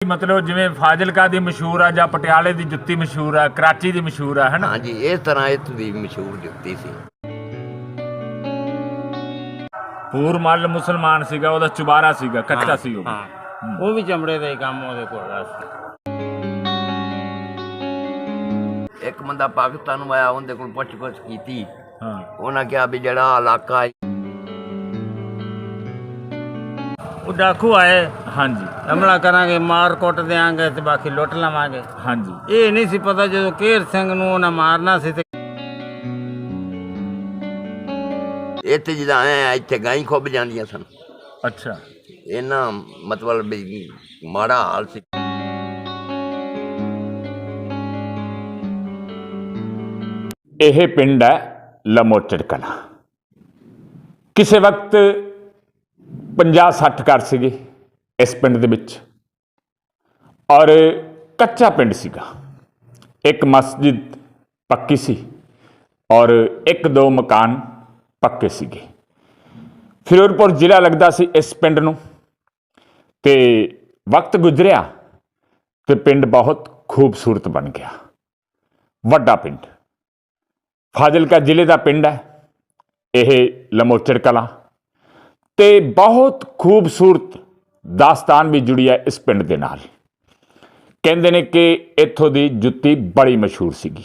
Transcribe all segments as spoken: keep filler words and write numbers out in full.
मतलब जिवें फाजिलका दी मशहूर है, जां पटियाले दी जुत्ती मशहूर है, कराची दी मशहूर है, है ना? हाँ जी, इस तरह इत्थों दी मशहूर जुत्ती सी। पूर मल मुसलमान सीगा, ओहदा चुबारा सीगा, कच्चा सी ਉਹ। ਹਾਂ ਉਹ ਵੀ ਚਮੜੇ ਦਾ ਹੀ ਕੰਮ ਉਹਦੇ ਕੋਲ ਸੀ। ਇੱਕ ਬੰਦਾ ਪਾਕਿਸਤਾਨ ਨੂੰ ਆਇਆ, ਉਹਦੇ ਕੋਲ ਪੁੱਛ ਪੁੱਛ ਕੀਤੀ। ਹਾਂ, ਉਹਨਾਂ ਕਿਹਾ ਵੀ ਜਿਹੜਾ ਇਲਾਕਾ ਉਹ ਡਾਕੂ ਆਏ, ਹਾਂਜੀ ਹਮਲਾ ਕਰਾਂਗੇ, ਮਾਰ ਕੁੱਟ ਦਿਆਂਗੇ ਤੇ ਬਾਕੀ ਲੁੱਟ ਲਵਾਂਗੇ। ਹਾਂਜੀ। ਇਹ ਨਹੀਂ ਸੀ ਪਤਾ ਜਦੋਂ ਕੇਰ ਸਿੰਘ ਨੂੰ ਉਹਨਾਂ ਮਾਰਨਾ ਸੀ ਤੇ ਇੱਥੇ ਜਿੱਦਾਂ ਐ ਇੱਥੇ ਗਾਈ ਖੁੱਭ ਜਾਂਦੀਆਂ ਸਨ। ਅੱਛਾ। ਇਹਨਾਂ ਮਤਲਬ ਵੀ ਮਾੜਾ ਹਾਲ ਸੀ। ਇਹ ਪਿੰਡ ਹੈ ਲਮੋਚੜ ਕਲਾਂ। ਕਿਸੇ ਵਕਤ ਪੰਜਾਹ ਸੱਠ ਘਰ ਸੀਗੇ ਇਸ ਪਿੰਡ ਦੇ ਵਿੱਚ, ਔਰ ਕੱਚਾ ਪਿੰਡ ਸੀਗਾ। ਇੱਕ ਮਸਜਿਦ ਪੱਕੀ ਸੀ ਔਰ ਇੱਕ ਦੋ ਮਕਾਨ ਪੱਕੇ ਸੀਗੇ। ਫਿਰੋਜ਼ਪੁਰ ਜ਼ਿਲ੍ਹਾ ਲੱਗਦਾ ਸੀ ਇਸ ਪਿੰਡ ਨੂੰ, ਤੇ ਵਕਤ ਗੁਜ਼ਰਿਆ ਤੇ ਪਿੰਡ ਬਹੁਤ ਖੂਬਸੂਰਤ ਬਣ ਗਿਆ। ਵੱਡਾ ਪਿੰਡ, ਫਾਜ਼ਿਲਕਾ ਜ਼ਿਲ੍ਹੇ ਦਾ ਪਿੰਡ ਹੈ ਇਹ ਲਮੋਚੜ ਕਲਾਂ, ਤੇ ਬਹੁਤ ਖੂਬਸੂਰਤ ਦਾਸਤਾਨ ਵੀ ਜੁੜੀ ਹੈ ਇਸ ਪਿੰਡ ਦੇ ਨਾਲ। ਕਹਿੰਦੇ ਨੇ ਕਿ ਇੱਥੋਂ ਦੀ ਜੁੱਤੀ ਬੜੀ ਮਸ਼ਹੂਰ ਸੀਗੀ।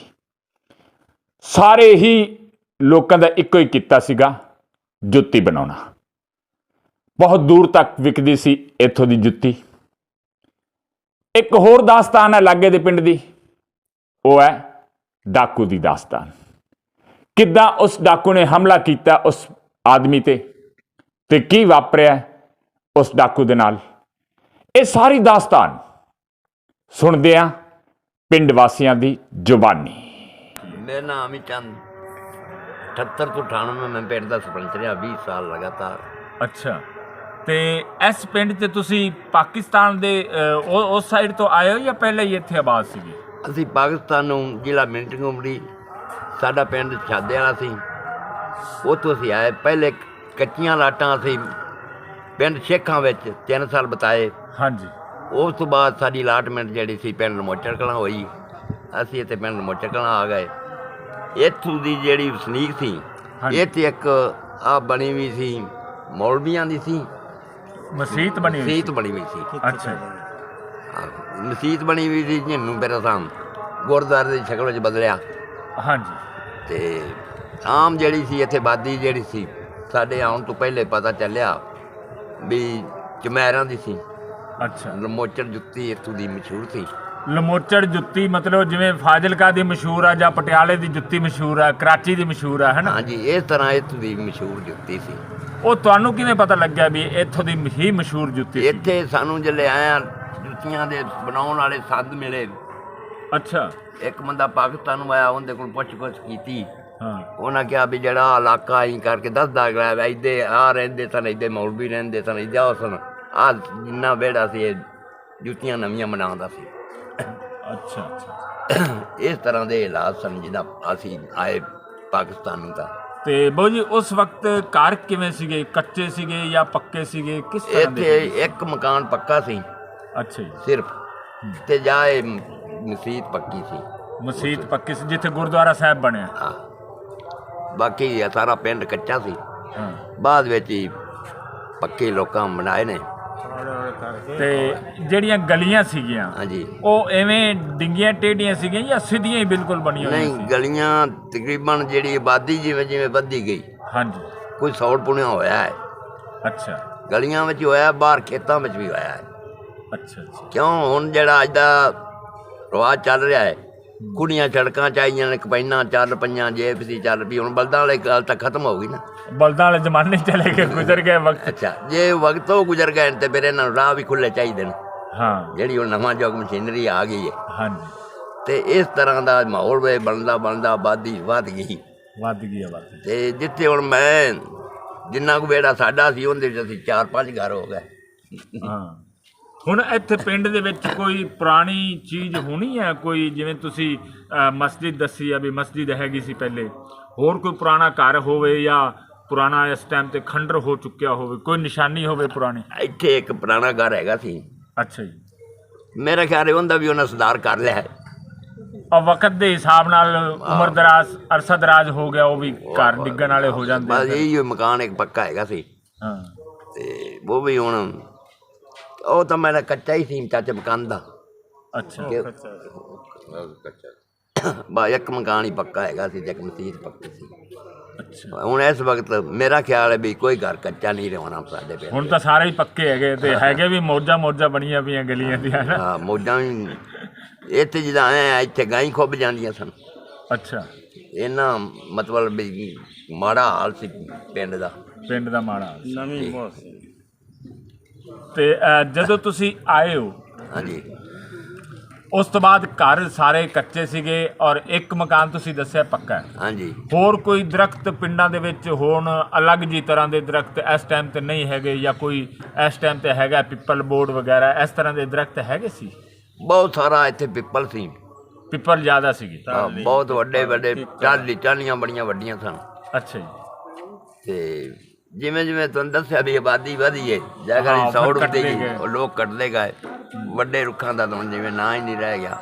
ਸਾਰੇ ਹੀ ਲੋਕਾਂ ਦਾ ਇੱਕੋ ਹੀ ਕਿੱਤਾ ਸੀਗਾ, ਜੁੱਤੀ ਬਣਾਉਣਾ। ਬਹੁਤ ਦੂਰ ਤੱਕ ਵਿਕਦੀ ਸੀ ਇੱਥੋਂ ਦੀ ਜੁੱਤੀ। ਇੱਕ ਹੋਰ ਦਾਸਤਾਨ ਹੈ ਲਾਗੇ ਦੇ ਪਿੰਡ ਦੀ, ਉਹ ਹੈ ਡਾਕੂ ਦੀ ਦਾਸਤਾਨ। ਕਿੱਦਾਂ ਉਸ ਡਾਕੂ ਨੇ ਹਮਲਾ ਕੀਤਾ ਉਸ ਆਦਮੀ ਤੇ ਤੇ ਕੀ ਵਾਪਰਿਆ ਉਸ ਡਾਕੂ ਦੇ ਨਾਲ, ਇਹ ਸਾਰੀ ਦਾਸਤਾਨ ਸੁਣਦੇ ਆ ਪਿੰਡ ਵਾਸੀਆਂ ਦੀ ਜ਼ੁਬਾਨੀ। ਮੇਰਾ ਨਾਮ ਹੀ ਚੰਦ, ਅਠੱਤਰ ਤੋਂ ਅਠਾਨਵੇਂ ਮੈਂ ਪਿੰਡ ਦਾ ਸਰਪੰਚ ਰਿਹਾ, ਵੀਹ ਸਾਲ ਲਗਾਤਾਰ। ਅੱਛਾ। ਤੇ ਇਸ ਪਿੰਡ 'ਚ ਤੁਸੀਂ ਪਾਕਿਸਤਾਨ ਦੇ ਉਸ ਸਾਈਡ ਤੋਂ ਆਏ ਹੋ ਜਾਂ ਪਹਿਲਾਂ ਹੀ ਇੱਥੇ ਆਬਾਦ ਸੀਗੇ? ਅਸੀਂ ਪਾਕਿਸਤਾਨ ਨੂੰ ਜ਼ਿਲ੍ਹਾ ਮਿੰਟਿੰਗ ਉਮੜੀ, ਸਾਡਾ ਪਿੰਡ ਛਾਦੇ ਵਾਲਾ ਸੀ, ਉੱਥੋਂ ਅਸੀਂ ਆਏ। ਪਹਿਲੇ ਕੱਚੀਆਂ ਲਾਟਾਂ ਅਸੀਂ ਪਿੰਡ ਸ਼ੇਖਾਂ ਵਿੱਚ ਤਿੰਨ ਸਾਲ ਬਿਤਾਏ। ਹਾਂਜੀ। ਉਸ ਤੋਂ ਬਾਅਦ ਸਾਡੀ ਅਲਾਟਮੈਂਟ ਜਿਹੜੀ ਸੀ ਪਿੰਡ ਲਮੋਚੜ ਕਲਾਂ ਹੋਈ, ਅਸੀਂ ਇੱਥੇ ਪਿੰਡ ਲਮੋਚੜ ਕਲਾਂ ਆ ਗਏ। ਇੱਥੋਂ ਦੀ ਜਿਹੜੀ ਵਸਨੀਕ ਸੀ, ਇੱਥੇ ਇੱਕ ਆ ਬਣੀ ਹੋਈ ਸੀ ਮੌਲਵੀਆਂ ਦੀ ਸੀ ਮਸੀਤ ਬਣੀ ਹੋਈ ਮਸੀਤ ਬਣੀ ਹੋਈ ਸੀ। ਅੱਛਾ। ਹਾਂ, ਮਸੀਤ ਬਣੀ ਹੋਈ ਸੀ ਜਿਹਨੂੰ ਮੇਰਾ ਸਾਮ ਗੁਰਦੁਆਰੇ ਦੀ ਸ਼ਕਲ ਵਿੱਚ ਬਦਲਿਆ। ਹਾਂਜੀ। ਤੇ ਆਮ ਜਿਹੜੀ ਸੀ ਇੱਥੇ ਆਬਾਦੀ ਜਿਹੜੀ ਸੀ, ਸਾਡੇ ਆਉਣ ਤੋਂ ਪਹਿਲੇ ਪਤਾ ਚੱਲਿਆ ਵੀ ਚਮੈਰਾਂ ਦੀ ਸੀ। ਅੱਛਾ। ਲਮੋਚੜ ਜੁੱਤੀ ਇੱਥੋਂ ਦੀ ਮਸ਼ਹੂਰ ਸੀ। ਲਮੋਚੜ ਜੁੱਤੀ ਮਤਲਬ ਜਿਵੇਂ ਫਾਜ਼ਿਲਕਾ ਦੀ ਮਸ਼ਹੂਰ ਹੈ ਜਾਂ ਪਟਿਆਲੇ ਦੀ ਜੁੱਤੀ ਮਸ਼ਹੂਰ ਹੈ, ਕਰਾਚੀ ਦੀ ਮਸ਼ਹੂਰ ਹੈ, ਹੈ ਨਾ? ਹਾਂਜੀ, ਇਸ ਤਰ੍ਹਾਂ ਇੱਥੋਂ ਦੀ ਮਸ਼ਹੂਰ ਜੁੱਤੀ ਸੀ। ਉਹ ਤੁਹਾਨੂੰ ਕਿਵੇਂ ਪਤਾ ਲੱਗਿਆ ਵੀ ਇੱਥੋਂ ਦੀ ਹੀ ਮਸ਼ਹੂਰ ਜੁੱਤੀ ਸੀ? ਇੱਥੇ ਸਾਨੂੰ ਜਿਹੜੇ ਆਇਆ ਜੁੱਤੀਆਂ ਦੇ ਬਣਾਉਣ ਵਾਲੇ ਸੰਦ ਮਿਲੇ। ਅੱਛਾ। ਇੱਕ ਬੰਦਾ ਪਾਕਿਸਤਾਨ ਨੂੰ ਆਇਆ, ਉਹਦੇ ਕੋਲ ਪੁੱਛ ਪੁੱਛ ਕੀਤੀ। ਹਾਂ। ਉਹਨਾਂ ਕਿਹਾ ਵੀ ਜਿਹੜਾ ਇਲਾਕਾ ਅਸੀਂ ਕਰਕੇ ਦੱਸਦਾ ਗਿਆ, ਇੱਦੇ ਆ ਰਹਿੰਦੇ ਸਨ, ਇੱਦੇ ਮੌਲਵੀ ਰਹਿੰਦੇ ਸਨ, ਇੱਦੇ ਉਹ ਸਨ, ਆਹ ਜਿੰਨਾ ਵਿਹੜਾ ਸੀ ਇਹ ਜੁੱਤੀਆਂ ਨਵੀਆਂ ਬਣਾਉਂਦਾ ਸੀ। ਅੱਛਾ ਅੱਛਾ। ਇਸ ਤਰ੍ਹਾਂ ਦੇ ਹਾਲਾਤ ਸਨ ਜਿੱਦਾਂ ਅਸੀਂ ਆਏ ਪਾਕਿਸਤਾਨ ਨੂੰ। ਤਾਂ ਤੇ ਬਾਊ ਜੀ ਉਸ ਵਕਤ ਘਰ ਕਿਵੇਂ ਸੀਗੇ, ਕੱਚੇ ਸੀਗੇ ਜਾਂ ਪੱਕੇ ਸੀਗੇ, ਕਿਸ ਤਰ੍ਹਾਂ ਦੇ? ਇੱਥੇ ਇੱਕ ਮਕਾਨ ਪੱਕਾ ਸੀ ਅੱਛਾ ਜੀ। ਸਿਰਫ, ਤੇ ਜਾਏ ਮਸੀਤ ਪੱਕੀ ਸੀ। ਮਸੀਤ ਪੱਕੀ ਸੀ ਜਿੱਥੇ ਗੁਰਦੁਆਰਾ ਸਾਹਿਬ ਬਣਿਆ। ਹਾਂ, ਬਾਕੀ ਸਾਰਾ ਪਿੰਡ ਕੱਚਾ ਸੀ। ਹਾਂ। ਬਾਅਦ ਵਿੱਚ ਹੀ ਪੱਕੇ ਲੋਕਾਂ ਬਣਾਏ ਨੇ। ਤੇ ਜਿਹੜੀਆਂ ਗਲੀਆਂ ਸੀਗੀਆਂ, ਹਾਂਜੀ, ਉਹ ਐਵੇਂ ਡਿੰਗੀਆਂ ਟੇਢੀਆਂ ਸੀਗੀਆਂ ਜਾਂ ਸਿੱਧੀਆਂ ਹੀ ਬਿਲਕੁਲ ਬਣੀਆਂ ਹੋਈਆਂ ਨਹੀਂ ਸੀ? ਗਲੀਆਂ ਤਕਰੀਬਨ ਜਿਹੜੀ ਆਬਾਦੀ ਜਿਵੇਂ ਜਿਵੇਂ ਵੱਧਦੀ ਗਈ, ਹਾਂਜੀ। ਕੋਈ ਸੌੜ ਪੁਣਿਆ ਹੋਇਆ ਹੈ। ਅੱਛਾ ਗਲੀਆਂ ਵਿੱਚ ਹੋਇਆ, ਬਾਹਰ ਖੇਤਾਂ ਵਿੱਚ ਵੀ ਹੋਇਆ ਹੈ। ਅੱਛਾ ਅੱਛਾ। ਕਿਉਂ ਹੁਣ ਜਿਹੜਾ ਅੱਜ ਦਾ ਰਿਵਾਜ਼ ਚੱਲ ਰਿਹਾ ਹੈ, ਕੁੜੀਆਂ ਸੜਕਾਂ 'ਚ ਆਈਆਂ ਨੇ, ਕਪੈਨਾਂ ਚੱਲ ਪਈਆਂ, ਜੇਬ ਸੀ ਚੱਲ ਪਈ। ਹੁਣ ਬਲਦਾਂ ਵਾਲੀ ਗੱਲ ਤਾਂ ਖਤਮ ਹੋ ਗਈ ਨਾ, ਬਲਦਾਂ ਵਾਲੇ ਜ਼ਮਾਨੇ ਚਲੇ ਗਏ, ਗੁਜ਼ਰ ਗਏ ਵਕਤ। ਅੱਛਾ, ਜੇ ਵਕਤ ਉਹ ਗੁਜ਼ਰ ਗਏ ਤੇ ਫਿਰ ਇਹਨਾਂ ਨੂੰ ਰਾਹ ਵੀ ਖੁੱਲ੍ਹੇ ਚਾਹੀਦੇ ਨੇ। ਹਾਂ। ਜਿਹੜੀ ਹੁਣ ਨਵਾਂ ਯੁੱਗ ਮਸ਼ੀਨਰੀ ਆ ਗਈ ਹੈ, ਹਾਂਜੀ। ਤੇ ਇਸ ਤਰ੍ਹਾਂ ਦਾ ਮਾਹੌਲ ਵੇ ਬਣਦਾ ਬਣਦਾ ਆਬਾਦੀ ਵੱਧ ਗਈ। ਵੱਧ ਗਈ ਆਬਾਦੀ। ਤੇ ਜਿੱਥੇ ਹੁਣ ਮੈਂ ਜਿੰਨਾ ਕੁ ਵਿਹੜਾ ਸਾਡਾ ਸੀ, ਉਹਦੇ ਵਿੱਚ ਅਸੀਂ ਚਾਰ ਪੰਜ ਘਰ ਹੋ ਗਏ। ਹਾਂ। ਹੁਣ ਇੱਥੇ ਪਿੰਡ ਦੇ ਵਿੱਚ ਕੋਈ ਪੁਰਾਣੀ ਚੀਜ਼ ਹੋਣੀ ਹੈ, ਕੋਈ ਜਿਵੇਂ ਤੁਸੀਂ ਮਸਜਿਦ ਦੱਸੀ ਆ ਵੀ ਮਸਜਿਦ ਹੈਗੀ ਸੀ ਪਹਿਲੇ, ਹੋਰ ਕੋਈ ਪੁਰਾਣਾ ਘਰ ਹੋਵੇ ਜਾਂ ਪੁਰਾਣਾ ਇਸ ਟਾਈਮ ਤੇ ਖੰਡਰ ਹੋ ਚੁੱਕਿਆ ਹੋਵੇ, ਕੋਈ ਨਿਸ਼ਾਨੀ ਹੋਵੇ ਪੁਰਾਣੀ? ਇੱਥੇ ਇੱਕ ਪੁਰਾਣਾ ਘਰ ਹੈਗਾ ਸੀ। ਅੱਛਾ ਜੀ। ਮੇਰਾ ਖਿਆਲ ਹੈ ਉਹਦਾ ਵੀ ਉਹਨਾਂ ਸੁਧਾਰ ਕਰ ਲਿਆ ਹੈ। ਔਰ ਵਕਤ ਦੇ ਹਿਸਾਬ ਨਾਲ ਉਮਰ ਦਰਾਜ਼ ਅਰਸਾ ਦਰਾਜ਼ ਹੋ ਗਿਆ, ਉਹ ਵੀ ਘਰ ਡਿੱਗਣ ਵਾਲੇ ਹੋ ਜਾਂਦੇ। ਬਸ ਇਹੀ ਮਕਾਨ ਇੱਕ ਪੱਕਾ ਹੈਗਾ ਸੀ ਹਾਂ ਤੇ ਉਹ ਵੀ ਹੁਣ ਉਹ ਤਾਂ ਮੇਰਾ ਕੱਚਾ ਹੀ ਸੀ ਚਾਚੇ ਮਕਾਨ ਦਾ। ਅੱਛਾ ਬਸ ਇੱਕ ਮਕਾਨ ਹੀ ਪੱਕਾ ਹੈਗਾ ਸੀ ਤੇ ਇੱਕ ਮਸੀਤ ਪੱਕੀ ਸੀ। ਅੱਛਾ ਹੁਣ ਇਸ ਵਕਤ ਮੇਰਾ ਖਿਆਲ ਹੈ ਵੀ ਕੋਈ ਘਰ ਕੱਚਾ ਨਹੀਂ ਰਹਿਣਾ ਸਾਡੇ ਪਿੰਡ। ਹੁਣ ਤਾਂ ਸਾਰੇ ਹੀ ਪੱਕੇ ਹੈਗੇ ਤੇ ਹੈਗੇ ਵੀ ਮੌਜਾਂ ਮੌਜਾਂ ਬਣੀਆਂ ਪਈਆਂ ਗਲੀਆਂ ਦੀਆਂ ਨਾ। ਹਾਂ ਮੌਜਾਂ ਵੀ ਇੱਥੇ ਜਿੱਦਾਂ ਐ ਇੱਥੇ ਗਾਂ ਹੀ ਖੁੱਭ ਜਾਂਦੀਆਂ ਸਨ। ਅੱਛਾ ਇਹਨਾਂ ਮਤਲਬ ਵੀ ਮਾੜਾ ਹਾਲ ਸੀ ਪਿੰਡ ਦਾ। ਪਿੰਡ ਦਾ ਮਾੜਾ ਨਵੀਂ ਬਹੁਤ ਸੀ। ਤੇ ਅਹ, ਜਦੋਂ ਤੁਸੀਂ ਆਏ ਹੋ ਹਾਂਜੀ ਉਸ ਤੋਂ ਬਾਅਦ ਘਰ ਸਾਰੇ ਕੱਚੇ ਸੀਗੇ ਔਰ ਇੱਕ ਮਕਾਨ ਤੁਸੀਂ ਦੱਸਿਆ ਪੱਕਾ ਹੈ। ਹਾਂਜੀ ਹੋਰ ਕੋਈ ਦਰਖਤ ਪਿੰਡਾਂ ਦੇ ਵਿੱਚ ਹੋਣ ਅਲੱਗ ਜੀ ਤਰ੍ਹਾਂ ਦੇ ਦਰਖਤ ਇਸ ਟਾਈਮ ਤੇ ਨਹੀਂ ਹੈਗੇ, ਜਾਂ ਕੋਈ ਇਸ ਟਾਈਮ ਤੇ ਹੈਗਾ ਪਿੱਪਲ ਬੋਰਡ ਵਗੈਰਾ ਇਸ ਤਰ੍ਹਾਂ ਦੇ ਦਰਖਤ ਹੈਗੇ ਸੀ? ਬਹੁਤ ਸਾਰਾ ਇੱਥੇ ਪਿੱਪਲ ਸੀ। ਪਿੱਪਲ ਜ਼ਿਆਦਾ ਸੀਗੇ। ਹਾਂ, ਬਹੁਤ ਵੱਡੇ ਵੱਡੇ ਟਾਹਲੀ ਟਾਹਲੀਆਂ ਬੜੀਆਂ ਵੱਡੀਆਂ ਸਨ। ਅੱਛਾ ਜੀ। ਤੇ ਜਿਵੇਂ ਜਿਵੇਂ ਤੁਹਾਨੂੰ ਦੱਸਿਆ ਵੀ ਆਬਾਦੀ ਵਧੀ ਹੈ, ਜਗ੍ਹਾ ਹਾਂ, ਦੀ ਸੌੜ ਫਿਰ ਉੱਤੇ ਕੱਟਦੇ ਗਈ, ਗਏ। ਉਹ ਲੋਕ ਕੱਟਦੇ ਗਏ। ਵੱਡੇ ਰੁੱਖਾਂ ਦਾ ਤਾਂ ਹੁਣ ਜਿਵੇਂ ਨਾਂ ਹੀ ਨਹੀਂ ਰਹਿ ਗਿਆ।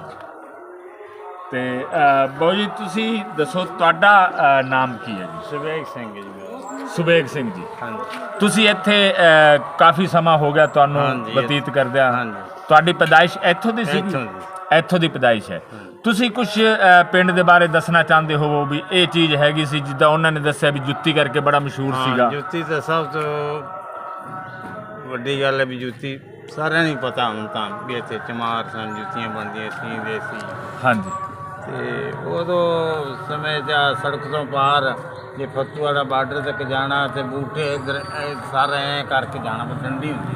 ਤੇ ਅਹ, ਬਾਊ ਜੀ ਤੁਸੀਂ ਦੱਸੋ ਤੁਹਾਡਾ ਅਹ, ਨਾਮ ਕੀ ਹੈ ਜੀ? ਸੁਬੇਗ ਸਿੰਘ ਜੀ ਮੇਰਾ। ਸੁਬੇਗ ਸਿੰਘ ਜੀ। ਹਾਂਜੀ ਤੁਸੀਂ ਇੱਥੇ ਅਹ, ਕਾਫੀ ਸਮਾਂ ਹੋ ਗਿਆ ਤੁਹਾਨੂੰ ਹਾਂਜੀ, ਬਤੀਤ ਕਰਦਿਆਂ। ਹਾਂਜੀ। ਤੁਹਾਡੀ ਪੈਦਾਇਸ਼ ਇੱਥੋਂ ਦੀ ਸੀ? ਇੱਥੋਂ ਦੀ। ਇੱਥੋਂ ਦੀ ਪੈਦਾਇਸ਼ ਹੈ। ਤੁਸੀਂ ਕੁਝ ਪਿੰਡ ਦੇ ਬਾਰੇ ਦੱਸਣਾ ਚਾਹੁੰਦੇ ਹੋ ਵੀ ਇਹ ਚੀਜ਼ ਹੈਗੀ ਸੀ ਜਿੱਦਾਂ ਉਹਨਾਂ ਨੇ ਦੱਸਿਆ ਵੀ ਜੁੱਤੀ ਕਰਕੇ ਬੜਾ ਮਸ਼ਹੂਰ ਸੀਗਾ? ਹਾਂ, ਜੁੱਤੀ ਤਾਂ ਸਭ ਤੋਂ ਵੱਡੀ ਗੱਲ ਹੈ ਵੀ ਜੁੱਤੀ ਸਾਰਿਆਂ ਨੂੰ ਹੀ ਪਤਾ ਹੁਣ ਤਾਂ ਵੀ ਇੱਥੇ ਚਮਾਰ ਸਨ, ਜੁੱਤੀਆਂ ਬਣਦੀਆਂ ਸੀ ਦੇਸੀ। ਹਾਂਜੀ। ਤੇ ਉਦੋਂ ਸਮੇਂ 'ਚ ਆਹ ਸੜਕ ਤੋਂ ਪਾਰ ਜੇ ਫੱਤੂ ਵਾਲਾ ਬਾਰਡਰ ਤੱਕ ਜਾਣਾ ਤੇ ਬੂਟੇ ਇੱਧਰ ਇਹ ਸਾਰਾ ਐਂ ਕਰਕੇ ਜਾਣਾ, ਪਰ ਡੰਡੀ ਹੁੰਦੀ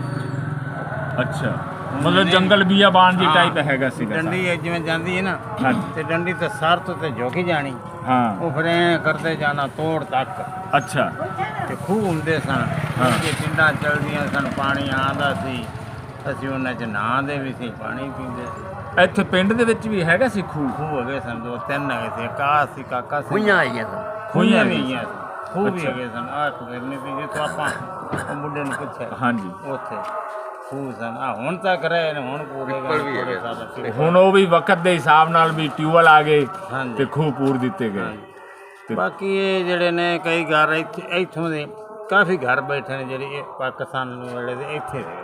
ਸੀ। ਅੱਛਾ, ਮਤਲਬ ਜੰਗਲ ਬੀਆਬਾਨ ਦੀ ਹਾਂ, ਟਾਈਪ ਹੈਗਾ ਸੀਗਾ। ਡੰਡੀ ਇਹ ਜਿਵੇਂ ਜਾਂਦੀ ਹੈ ਨਾ, ਹਾਂਜੀ। ਤੇ ਡੰਡੀ ਤੇ ਸਰ ਤੋਂ ਤੇ ਝੁਕੀ ਜਾਣੀ, ਹਾਂ। ਉਹ ਫਿਰ ਐਂ ਕਰਦੇ ਜਾਣਾ ਤੋੜ ਤੱਕ। ਅੱਛਾ। ਤੇ ਖੂਹ ਹੁੰਦੇ ਸਨ, ਹਾਂ। ਇਹ ਪਿੰਡਾਂ ਚੱਲਦੀਆਂ ਸਨ, ਪਾਣੀ ਆਉਂਦਾ ਸੀ, ਅਸੀਂ ਉਹਨਾਂ 'ਚ ਨਹਾਉਂਦੇ ਵੀ ਸੀ, ਪਾਣੀ ਪੀਂਦੇ ਸੀ। ਇੱਥੇ ਪਿੰਡ ਦੇ ਵਿੱਚ ਵੀ ਹੈਗਾ ਸੀ ਖੂਹ? ਖੂਹ ਹੈਗੇ ਸਨ, ਦੋ ਤਿੰਨ ਹੈਗੇ ਸੀ, ਕਾਹ ਸੀ, ਕਾਕਾ ਸੀ, ਖੂਹੀਆਂ ਆਈਆਂ ਸਨ। ਖੂਹੀਆਂ ਵੀ ਹੈਗੀਆਂ ਸੀ, ਖੂਹ ਵੀ ਅੱਛਾ। ਹੈਗੇ ਸਨ। ਆਹ ਫਿਰਨੀ ਸੀ ਜਿੱਥੋਂ ਆਪਾਂ ਉਹ ਮੁੰਡੇ ਨੂੰ ਪੁੱਛਿਆ, ਹਾਂਜੀ। ਉੱਥੇ ਖੂਹ ਸਨ। ਆ ਹੁਣ ਤੱਕ ਰਹੇ ਨੇ, ਹੁਣ ਪੂਰੇ ਵੀ ਹੈਗੇ ਸਾਰੇ ਹੁਣ ਉਹ ਵੀ ਵਕਤ ਦੇ ਹਿਸਾਬ ਨਾਲ ਵੀ ਟਿਊਬਵੈੱਲ ਆ ਗਏ ਹਾਂਜੀ। ਤੇ ਖੂਹ ਪੂਰ ਦਿੱਤੇ ਗਏ। ਹਾਂਜੀ। ਤੇ ਬਾਕੀ ਇਹ ਜਿਹੜੇ ਨੇ ਕਈ ਘਰ ਇੱਥੇ ਇੱਥੋਂ ਦੇ ਕਾਫੀ ਘਰ ਬੈਠੇ ਨੇ ਜਿਹੜੇ ਇਹ ਪਾਕਿਸਤਾਨ ਵੇਲੇ ਦੇ ਇੱਥੇ ਦੇ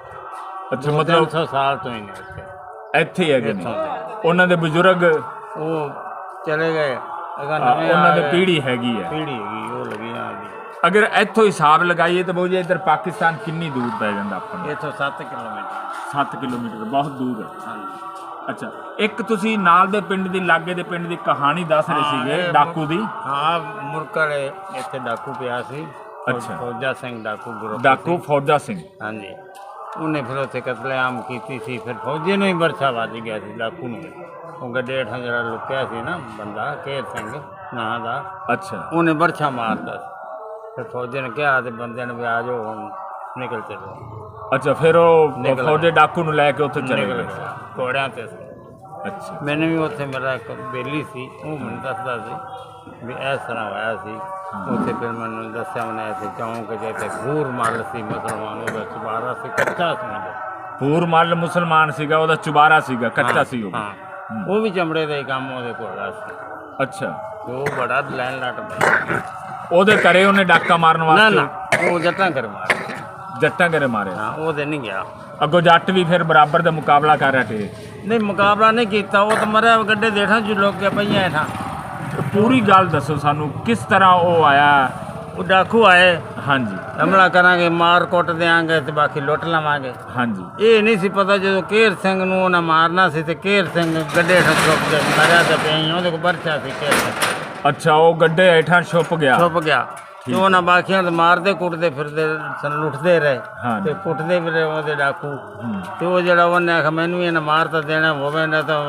ਅੱਛਾ, ਮਤਲਬ ਮਤਲਬ ਸੌ ਸਾਲ ਤੋਂ ਹੀ ਨੇ ਇੱਥੇ ਇੱਥੇ ਹੀ ਹੈਗੇ ਨੇ ਇੱਥੋਂ ਦੇ। ਉਹਨਾਂ ਦੇ ਬਜ਼ੁਰਗ? ਉਹ ਚਲੇ ਗਏ, ਅਗਰ ਹਾਂ, ਨਵੇਂ ਉਹਨਾਂ ਆ ਦੀ ਗਏ। ਪੀੜ੍ਹੀ ਹੈਗੀ ਹੈ। ਪੀੜ੍ਹੀ ਹੈਗੀ, ਉਹ ਲੱਗੀ ਆਂਦੀ। ਅਗਰ ਇੱਥੋਂ ਹਿਸਾਬ ਲਗਾਈਏ ਤਾਂ ਬਾਊ ਜੀ ਇੱਧਰ ਪਾਕਿਸਤਾਨ ਕਿੰਨੀ ਦੂਰ ਪੈ ਜਾਂਦਾ ਆਪਾਂ ਨੂੰ? ਇੱਥੋਂ ਸੱਤ ਕਿਲੋਮੀਟਰ। ਸੱਤ ਕਿਲੋਮੀਟਰ, ਬਹੁਤ ਦੂਰ ਹੈ। ਹਾਂਜੀ। ਅੱਛਾ, ਇੱਕ ਤੁਸੀਂ ਨਾਲ ਦੇ ਪਿੰਡ ਦੀ ਲਾਗੇ ਦੇ ਪਿੰਡ ਦੀ ਕਹਾਣੀ ਦੱਸ ਰਹੇ ਹਾਂ, ਸੀਗੇ ਇਹ ਡਾਕੂ ਦੀ। ਹਾਂ, ਮੁਰਕੜ ਇੱਥੇ ਡਾਕੂ ਪਿਆ ਸੀ। ਅੱਛਾ। ਫੌਜਾ ਸਿੰਘ ਡਾਕੂ ਗਰੁੱਪ ਡਾਕੂ ਫੌਜਾ ਸਿੰਘ। ਹਾਂਜੀ। ਉਹਨੇ ਫਿਰ ਉੱਥੇ ਕਤਲੇਆਮ ਕੀਤੀ ਸੀ, ਫਿਰ ਫੌਜੀ ਨੂੰ ਹੀ ਵਰਛਾ ਵੱਜ ਗਿਆ ਸੀ ਡਾਕੂ ਨੂੰ। ਉਹ ਗੱਡੇ ਹੇਠਾਂ ਜਿਹੜਾ ਲੁਕਿਆ ਸੀ ਨਾ ਬੰਦਾ, ਕੇਰ ਸਿੰਘ ਨਾਂ ਦਾ, ਅੱਛਾ। ਉਹਨੇ ਵਰਛਾ ਮਾਰਦਾ ਸੀ। ਫਿਰ ਫੌਜੀ ਨੇ ਕਿਹਾ ਤੇ ਬੰਦਿਆਂ ਨੂੰ ਵੀ ਆ ਜਾਓ ਹੁਣ ਨਿਕਲ ਚਲੋ। ਅੱਛਾ, ਫਿਰ ਉਹ ਨਿਕਲ ਫੌਜੇ ਡਾਕੂ ਨੂੰ ਲੈ ਕੇ ਉੱਥੇ ਚਲੇ ਨਿਕਲ ਗਏ। ਗਏ ਘੋੜਿਆਂ ਤੇ ਸੀ। ਅੱਛਾ। ਮੈਨੂੰ ਵੀ ਉੱਥੇ ਮੇਰਾ ਇੱਕ ਬੇਲੀ ਸੀ, ਉਹ ਮੈਨੂੰ ਦੱਸਦਾ ਸੀ ਵੀ ਇਸ ਤਰ੍ਹਾਂ ਹੋਇਆ ਸੀ ਉੱਥੇ। ਫਿਰ ਮੈਨੂੰ ਦੱਸਿਆ ਉਹਨੇ ਇੱਥੇ ਚੌਂਕ ਜਿੱਥੇ ਘੂਰ ਮੱਲ ਸੀ ਮੁਸਲਮਾਨ, ਉਹਦਾ ਚੁਬਾਰਾ ਸੀ, ਕੱਚਾ ਸੀ ਉਹਦਾ। ਪੂਰ ਮੱਲ ਮੁਸਲਮਾਨ ਸੀਗਾ, ਉਹਦਾ ਚੁਬਾਰਾ ਸੀਗਾ, ਕੱਚਾ ਸੀ ਉਹ। ਹਾਂ, ਉਹ ਵੀ ਚਮੜੇ ਦਾ ਹੀ ਕੰਮ ਉਹਦੇ ਕੋਲ ਸੀ। ਅੱਛਾ। ਤੇ ਉਹ ਬੜਾ ਲੈਣ ਲੱਟ ਪਿਆ। ਉਹਦੇ ਘਰੇ ਉਹਨੇ ਡਾਕਾ ਮਾਰਨ ਨਾ ਵਾਸਤੇ? ਨਾ, ਉਹ ਜੱਟਾਂ ਕਰ ਮਾਰਿਆ। ਜੱਟਾਂ ਘਰੇ ਮਾਰਿਆ? ਹਾਂ, ਉਹਦੇ ਨਹੀਂ ਗਿਆ। ਅੱਗੋਂ ਜੱਟ ਵੀ ਫਿਰ ਬਰਾਬਰ ਦਾ ਮੁਕਾਬਲਾ ਕਰ ਰਹੇ ਤੇ? ਨਹੀਂ, ਮੁਕਾਬਲਾ ਨਹੀਂ ਕੀਤਾ, ਉਹ ਤਾਂ ਮਰਿਆ ਗੱਡੇ ਦੇਖਾਂ ਜੋ ਲੋਕ ਕੇ ਪਈਆਂ ਹੇਠਾਂ। ਪੂਰੀ ਗੱਲ ਦੱਸੋ ਸਾਨੂੰ, ਕਿਸ ਤਰ੍ਹਾਂ ਉਹ ਆਇਆ? ਉਹ ਡਾਕੂ ਆਏ, ਹਾਂਜੀ ਹਮਲਾ ਕਰਾਂਗੇ, ਮਾਰ ਕੁੱਟ ਦਿਆਂਗੇ ਤੇ ਬਾਕੀ ਲੁੱਟ ਲਵਾਂਗੇ। ਹਾਂਜੀ। ਇਹ ਨਹੀਂ ਸੀ ਪਤਾ ਜਦੋਂ ਕੇਰ ਸਿੰਘ ਨੂੰ ਉਹਨਾਂ ਮਾਰਨਾ ਸੀ ਤੇ ਕੇਰ ਸਿੰਘ ਗੱਡੇ ਹੇਠਾਂ ਛੁਪ ਗਿਆ, ਮਰਿਆ ਤਾਂ ਪਈ, ਉਹਦੇ ਕੋਲ ਬਰਛਾ ਸੀ ਕੇਰ ਸਿੰਘ। ਅੱਛਾ, ਉਹ ਗੱਡੇ ਹੇਠਾਂ ਛੁਪ ਗਿਆ? ਛੁਪ ਗਿਆ। ਤੇ ਉਹਨਾਂ ਬਾਕੀਆਂ ਨੂੰ ਮਾਰਦੇ ਕੁੱਟਦੇ ਫਿਰਦੇ ਸਨ, ਲੁੱਟਦੇ ਰਹੇ ਹਾਂ। ਤੇ ਕੁੱਟਦੇ ਵੀ ਰਹੇ ਉਹਦੇ ਡਾਕੂ। ਤੇ ਉਹ ਜਿਹੜਾ ਉਹਨੇ ਆਖਿਆ ਮੈਨੂੰ ਵੀ ਇਹਨਾਂ ਮਾਰ ਤਾਂ ਦੇਣਾ ਹੋਵੇ ਨਾ ਤਾਂ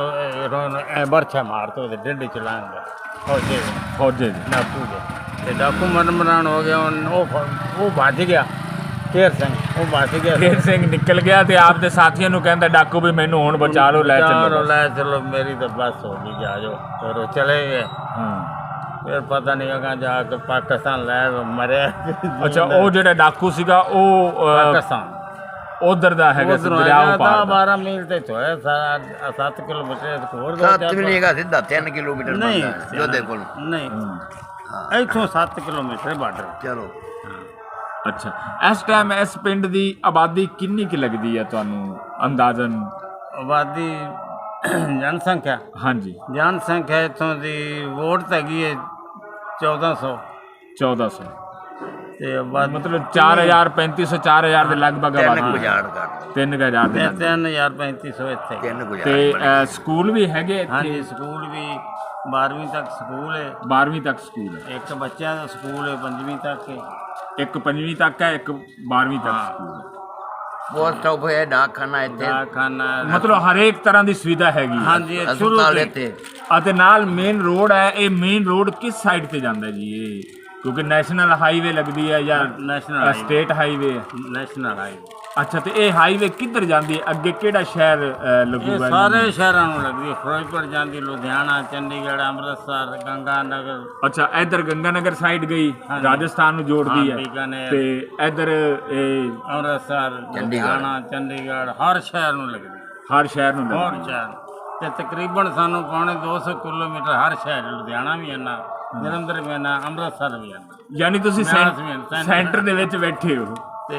ਐ ਬਰਛਾ ਮਾਰ ਤਾ ਉਹਦੇ ਢਿੱਡ ਚ ਲਾਂਗਾ ਫੌਜੇ ਦੇ, ਫੌਜੇ ਦੀ? ਡਾਕੂ ਦੇ। ਤੇ ਡਾਕੂ ਮਰਨ ਮਰਾਨ ਹੋ ਗਿਆ। ਉਹ ਉਹ ਉਹ ਭੱਜ ਗਿਆ, ਕੇਰ ਸਿੰਘ ਉਹ ਭੱਜ ਗਿਆ। ਕੇਰ ਸਿੰਘ ਨਿਕਲ ਗਿਆ ਤੇ ਆਪ ਦੇ ਸਾਥੀਆਂ ਨੂੰ ਕਹਿੰਦਾ ਡਾਕੂ ਵੀ ਮੈਨੂੰ ਹੁਣ ਬਚਾ ਲਓ, ਲੈ ਚਲੋ ਚੱਲੋ। ਲੈ ਚਲੋ, ਮੇਰੀ ਤਾਂ ਬਸ ਹੋ ਗਈ, ਜਾ ਜਾਓ। ਫਿਰ ਉਹ ਚਲੇ ਗਏ। ਹਾਂ। ਫਿਰ ਪਤਾ ਨਹੀਂ ਅਗਾ ਜਾ ਕੇ ਪਾਕਿਸਤਾਨ ਲੈ ਮਰਿਆ। ਅੱਛਾ, ਉਹ ਜਿਹੜਾ ਡਾਕੂ ਸੀਗਾ ਉਹ ਅਹ, ਪਾਕਿਸਤਾਨ ਉਧਰ ਦਾ ਹੈਗਾ ਸੀ ਉਧਰੋਂ ਦਰਿਆ ਦਸ ਪਾਰ ਦਾ। ਬਾਰਾਂ ਮੀਲ ਤੇ ਹੋਇਆ ਸਾਰਾ ਸੱਤ ਕਿਲੋਮੀਟਰ ਹੋਰ ਦੋ ਸੱਤ ਚਾਰ ਵੀ ਨਹੀਂ ਹੈਗਾ, ਸਿੱਧਾ ਤਿੰਨ ਕਿਲੋਮੀਟਰ ਨਹੀਂ ਬਣਦਾ ਹੈ ਜੋਧੇ ਕੋਲ। ਨਹੀਂ ਇੱਥੋਂ ਸੱਤ ਕਿਲੋਮੀਟਰ ਬਾਰਡਰ। ਚਲੋ ਅੱਛਾ, ਇਸ ਟਾਈਮ ਇਸ ਪਿੰਡ ਦੀ ਆਬਾਦੀ ਕਿੰਨੀ ਕੁ ਲੱਗਦੀ ਹੈ ਤੁਹਾਨੂੰ ਅੰਦਾਜ਼ਨ? ਆਬਾਦੀ ਜਨਸੰਖਿਆ ਹਾਂਜੀ ਜਨਸੰਖਿਆ ਇੱਥੋਂ ਦੀ ਵੋਟ ਤਾਂ ਹੈਗੀ ਹੈ ਚੌਦਾਂ ਸੌ ਚੌਦਾਂ ਸੌ, ਤੇ ਆਬਾਦੀ ਮਤਲਬ ਚਾਰ ਹਜ਼ਾਰ ਪੈਂਤੀ ਸੌ ਚਾਰ ਹਜ਼ਾਰ ਦੇ ਲਗਭਗ ਤਿੰਨ ਆਬਾਦੀ ਹੈ। ਗੁਜ਼ਾਰ ਕਰ ਤਿੰਨ ਕੁ ਹਜ਼ਾਰ ਦੇ ਤੇ ਲਗਭਗ। ਤਿੰਨ ਹਜ਼ਾਰ ਪੈਂਤੀ ਸੌ ਇੱਥੇ। ਤਿੰਨ ਗੁਜ਼ਾਰ ਤੇ ਬਣੇ। ਅ, ਸਕੂਲ ਵੀ ਹੈਗੇ ਇੱਥੇ? ਹਾਂਜੀ ਸਕੂਲ ਵੀ ਬਾਰ੍ਹਵੀਂ ਤੱਕ ਸਕੂਲ ਹੈ, ਬਾਰ੍ਹਵੀਂ ਤੱਕ ਸਕੂਲ ਹੈ, ਇੱਕ ਬੱਚਿਆਂ ਦਾ ਸਕੂਲ ਹੈ ਪੰਜਵੀਂ ਤੱਕ ਹੈ। ਇੱਕ ਪੰਜਵੀਂ ਤੱਕ ਹੈ, ਇੱਕ ਬਾਰ੍ਹਵੀਂ ਤੱਕ ਸਕੂਲ ਹੈ। ਪੋਸਟ ਆਫਿਸ ਹੈ, ਡਾਕਖਾਨਾ ਇੱਥੇ, ਡਾਕਖਾਨਾ ਮਤਲਬ ਹਰੇਕ ਤਰ੍ਹਾਂ ਦੀ ਸੁਵਿਧਾ ਹੈਗੀ ਹੈ। ਹਾਂਜੀ ਇਹ ਸ਼ੁਰੂ ਹਸਪਤਾਲ ਤੋਂ ਇੱਥੇ। ਅਤੇ ਨਾਲ ਮੇਨ ਰੋਡ ਹੈ। ਇਹ ਮੇਨ ਰੋਡ ਕਿਸ ਸਾਈਡ ਤੇ ਜਾਂਦਾ ਜੀ ਇਹ? ਕਿਉਂਕਿ ਨੈਸ਼ਨਲ ਹਾਈਵੇ ਲੱਗਦੀ ਹੈ ਜਾਂ ਨੈਸ਼ਨਲ ਹਾਈਵੇ। ਸਟੇਟ ਹਾਈਵੇ ਹੈ? ਨੈਸ਼ਨਲ ਹਾਈਵੇ ਅੱਛਾ, ਤੇ ਇਹ ਹਾਈਵੇ ਕਿੱਧਰ ਜਾਂਦੀ ਹੈ? ਅੱਗੇ ਕਿਹੜਾ ਸ਼ਹਿਰ ਅ, ਇਹ ਲੱਗੂਗਾ? ਸਾਰੇ ਸ਼ਹਿਰਾਂ ਨੂੰ ਲੱਗਦੀ ਹੈ। ਫਿਰੋਜ਼ਪੁਰ ਜਾਂਦੀ, ਲੁਧਿਆਣਾ, ਚੰਡੀਗੜ੍ਹ, ਅੰਮ੍ਰਿਤਸਰ, ਗੰਗਾ ਨਗਰ। ਅੱਛਾ, ਇੱਧਰ ਗੰਗਾਨਗਰ ਸਾਈਡ ਗਈ, ਹਾਂਜੀ। ਰਾਜਸਥਾਨ ਨੂੰ ਜੋੜਦੀ ਹਾਂ, ਹੈ, ਬੀਕਾਨੇਰ। ਤੇ ਇੱਧਰ ਇਹ ਅੰਮ੍ਰਿਤਸਰ, ਲੁਧਿਆਣਾ, ਚੰਡੀਗੜ੍ਹ, ਹਰ ਸ਼ਹਿਰ ਨੂੰ ਲੱਗਦੀ ਹੈ। ਹਰ ਸ਼ਹਿਰ ਨੂੰ ਹਰ ਲੱਗਦੀ ਹੈ। ਸ਼ਹਿਰ ਤੇ ਤਕਰੀਬਨ ਸਾਨੂੰ ਪੌਣੇ ਦੋ ਸੌ ਕਿਲੋਮੀਟਰ ਹਰ ਸ਼ਹਿਰ, ਲੁਧਿਆਣਾ ਵੀ ਇੰਨਾ, ਜਲੰਧਰ ਵੀ ਇੰਨਾ, ਅੰਮ੍ਰਿਤਸਰ ਵੀ ਇੰਨਾ। ਯਾਨੀ ਤੁਸੀਂ ਬਿਆਸ ਵੀ ਹੈ, ਸੈਂ- ਸੈਂਟਰ ਦੇ ਵਿੱਚ ਬੈਠੇ ਹੋ। ਤੇ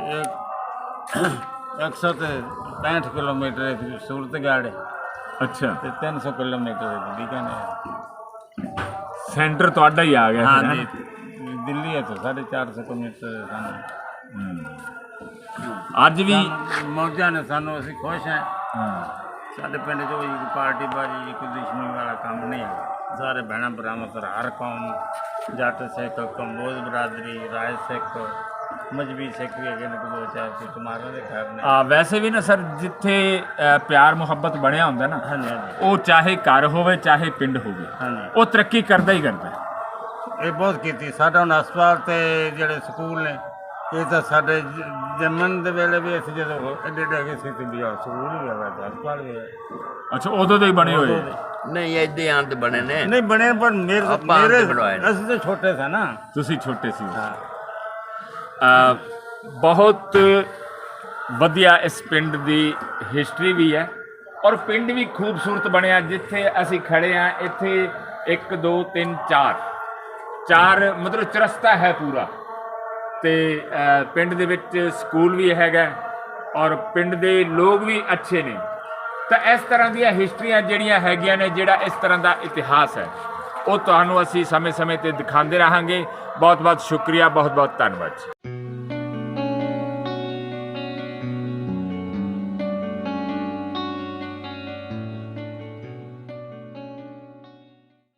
ਇੱਕ ਸੌ ਤੇ ਪੈਂਹਠ ਕਿਲੋਮੀਟਰ ਇੱਥੇ ਸੂਰਤਗੜ੍ਹ ਹੈ, ਅੱਛਾ, ਤੇ ਤਿੰਨ ਸੌ ਕਿਲੋਮੀਟਰ ਇੱਥੇ ਬੀਕਾਨੇਰ। ਸੈਂਟਰ ਤੁਹਾਡਾ ਹੀ ਆ ਗਿਆ ਫਿਰ, ਹਾਂਜੀ ਹੈਂ? ਦਿੱਲੀ ਹੈ ਤਾਂ ਸਾਢੇ ਚਾਰ ਸੌ ਕਿਲੋਮੀਟਰ ਸਾਨੂੰ। ਹੂੰ। ਅੱਜ ਵੀ ਸਾਨੂੰ ਮੌਜਾਂ ਨੇ, ਸਾਨੂੰ ਅਸੀਂ ਖੁਸ਼ ਹਾਂ। ਹਾਂ। ਸਾਡੇ ਪਿੰਡ 'ਚ ਕੋਈ ਪਾਰਟੀ ਬਾਜੀ ਕੋਈ ਦੁਸ਼ਮਣੀ ਵਾਲਾ ਕੰਮ ਨਹੀਂ ਹੈ। ਸਾਰੇ ਭੈਣਾਂ ਭਰਾਵਾਂ ਤੋਂ ਹਰ ਕੌਮ, ਜੱਟ ਸਿੱਖ, ਕੰਬੋਜ ਬਰਾਦਰੀ, ਰਾਜ ਸਿੱਖ, ਮਜਬੀ ਸਿੱਖ ਵੀ ਹੈਗੇ ਨੇ, ਕੋਈ ਦੋ ਚਾਰ ਕੁਛ ਮਾਰਾਂ ਦੇ ਘਰ ਨੇ। ਆ ਵੈਸੇ ਵੀ ਨਾ ਸਰ, ਜਿੱਥੇ ਅ, ਪਿਆਰ ਮੁਹੱਬਤ ਬਣਿਆ ਹੁੰਦਾ ਨਾ, ਹਾਂਜੀ ਹਾਂਜੀ ਉਹ ਚਾਹੇ ਘਰ ਹੋਵੇ ਚਾਹੇ ਪਿੰਡ ਹੋਵੇ, ਹਾਂਜੀ ਉਹ ਤਰੱਕੀ ਕਰਦਾ ਹੀ ਕਰਦਾ। ਇਹ ਬਹੁਤ ਕੀਤੀ। ਸਾਡਾ ਹੁਣ ਹਸਪਤਾਲ ਤੇ ਜਿਹੜੇ ਸਕੂਲ ਨੇ, ਇਹ ਤਾਂ ਸਾਡੇ ਜ- ਜੰਮਣ ਦੇ ਵੇਲੇ ਵੀ ਅਸੀਂ ਜਦੋਂ ਐਡੇ ਐਡੇ ਹੈਗੇ ਸੀ ਤੇ ਵੀ ਆਹ ਸਕੂਲ ਵੀ ਹੈਗਾ ਤੇ ਹਸਪਤਾਲ ਵੀ ਹੈ। ਅੱਛਾ, ਉਦੋਂ ਤੋਂ ਹੀ ਬਣੇ ਹੋਏ? ਨਹੀਂ ਇੱਦੇ ਆਂ ਤੇ ਬਣੇ ਨੇ। ਨਹੀਂ ਬਣੇ, ਪਰ ਮੇਰੇ ਆਪਾਂ ਮੇਰੇ ਤੇ ਬਣਵਾਏ ਨੇ। ਅਸੀਂ ਤਾਂ ਛੋਟੇ ਸੀ ਨਾ। ਤੁਸੀਂ ਛੋਟੇ ਸੀ। ਹਾਂ ਅ, ਬਹੁਤ ਵਧੀਆ ਇਸ ਪਿੰਡ ਦੀ ਹਿਸਟਰੀ ਵੀ ਹੈ, ਔਰ ਪਿੰਡ ਵੀ ਖੂਬਸੂਰਤ ਬਣਿਆ। ਜਿੱਥੇ ਅਸੀਂ ਖੜੇ ਆ ਇੱਥੇ ਇੱਕ ਦੋ ਤਿੰਨ ਚਾਰ ਚਾਰ ਮਤਲਬ ਚਰਸਤਾ ਹੈ ਪੂਰਾ, ਤੇ ਅ, ਪਿੰਡ ਦੇ ਵਿੱਚ ਸਕੂਲ ਵੀ ਹੈਗਾ, ਔਰ ਪਿੰਡ ਦੇ ਲੋਕ ਵੀ ਅੱਛੇ ਨੇ। ਤਾਂ ਇਸ ਤਰ੍ਹਾਂ ਦੀਆਂ ਹਿਸਟਰੀਆਂ ਜਿਹੜੀਆਂ ਹੈਗੀਆਂ ਨੇ, ਜਿਹੜਾ ਇਸ ਤਰ੍ਹਾਂ ਦਾ ਇਤਿਹਾਸ ਹੈ, ਉਹ ਤੁਹਾਨੂੰ ਅਸੀਂ ਸਮੇਂ ਸਮੇਂ ਤੇ ਦਿਖਾਉਂਦੇ ਰਹਾਂਗੇ। ਬਹੁਤ ਬਹੁਤ ਸ਼ੁਕਰੀਆ, ਬਹੁਤ ਬਹੁਤ ਧੰਨਵਾਦ ਜੀ।